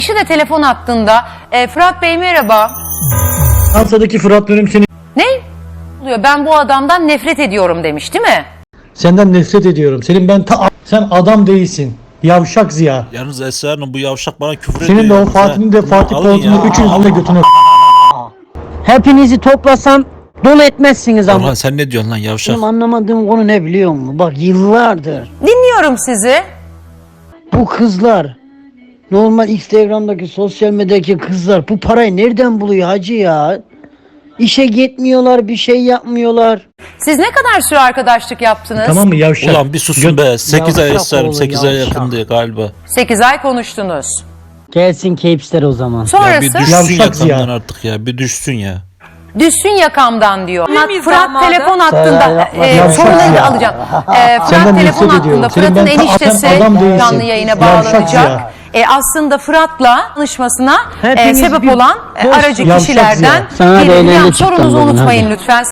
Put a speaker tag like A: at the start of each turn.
A: Kişi de telefon hattında. Fırat Bey merhaba.
B: Fransa'daki Fırat dönüm seni...
A: Ne? Oluyor? Ben bu adamdan nefret ediyorum demiş değil mi?
B: Senden nefret ediyorum. Sen adam değilsin. Yavşak Ziya.
C: Yalnız Esra Hanım bu yavşak bana küfür ediyor.
B: Senin de o
C: yalnız ha.
B: Fatih'in de Fatih
C: Alın
B: Polat'ın
C: ya.
B: üçünüzün de götünü.
D: Hepinizi toplasam dolu etmezsiniz ama.
C: Orhan sen ne diyorsun lan yavşak?
D: Benim anlamadığım konu ne biliyor musun? Bak yıllardır
A: Dinliyorum sizi.
D: bu kızlar, normal Instagram'daki sosyal medyadaki kızlar bu parayı nereden buluyor hacı ya? İşe gitmiyorlar, bir şey yapmıyorlar.
A: Siz ne kadar süre arkadaşlık yaptınız?
B: Tamam mı yavşak?
C: Ulan bir susun be. 8 ay
D: Yavşak
C: Esra Hanım
D: oğlum,
C: 8 ay
D: yavşak.
C: yakındı galiba.
A: 8 ay konuştunuz.
D: Gelsin Capes'ler o zaman.
C: Ya bir
A: Sonrası
C: düşsün
B: Yavşak
C: yakamdan
B: ya.
C: artık ya. Bir düşsün ya.
A: düşsün yakamdan diyor.
E: miyiz
A: Fırat
E: damadı?
A: telefon hattında.
B: Yavşak
A: Soruları da
B: ya.
A: alacağım.
B: Senden
A: Fırat
B: nefret
A: telefon
B: ediyorum.
A: hattında.
B: Senin
A: Fırat'ın
B: ben
A: eniştesi
B: adam değilsin.
A: canlı yayına
B: Yavşak
A: bağlanacak.
B: ya.
A: Aslında Fırat'la tanışmasına
D: Hepiniz
A: sebep
D: bir
A: olan
D: boş
A: aracı
B: yavşak
A: kişilerden
B: ya.
D: Sana da
A: biri.
D: eğlence
A: Yani
D: çıktım
A: sorunuzu
D: bugün,
A: unutmayın
D: hadi.
A: lütfen.